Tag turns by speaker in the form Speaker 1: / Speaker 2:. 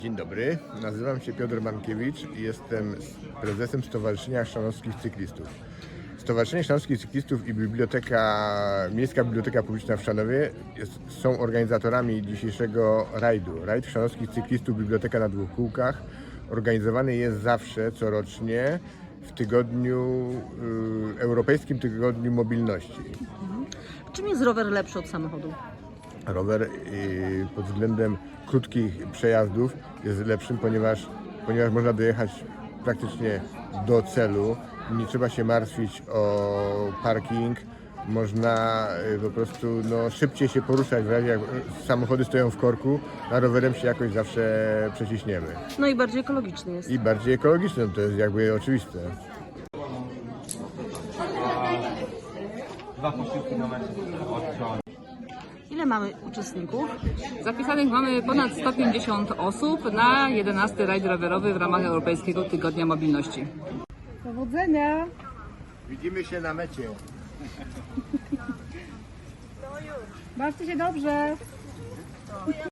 Speaker 1: Dzień dobry, nazywam się Piotr Mankiewicz i jestem prezesem Stowarzyszenia Chrzanowskich Cyklistów. Stowarzyszenie Chrzanowskich Cyklistów i Miejska Biblioteka Publiczna w Chrzanowie są organizatorami dzisiejszego rajdu. Rajd Chrzanowskich Cyklistów Biblioteka na dwóch kółkach organizowany jest zawsze, corocznie w Europejskim Tygodniu Mobilności.
Speaker 2: Czym jest rower lepszy od samochodu?
Speaker 1: Rower pod względem krótkich przejazdów jest lepszym, ponieważ można dojechać praktycznie do celu. Nie trzeba się martwić o parking. Można po prostu szybciej się poruszać, w razie jak samochody stoją w korku, a rowerem się jakoś zawsze przeciśniemy.
Speaker 2: No i bardziej ekologiczny jest.
Speaker 1: I bardziej ekologiczne, to jest jakby oczywiste.
Speaker 3: 2,5 km od Chrzanowa.
Speaker 2: Ile mamy uczestników?
Speaker 4: Zapisanych mamy ponad 150 osób na 11. rajd rowerowy w ramach Europejskiego Tygodnia Mobilności.
Speaker 2: Powodzenia!
Speaker 1: Widzimy się na mecie.
Speaker 2: Bawcie się dobrze!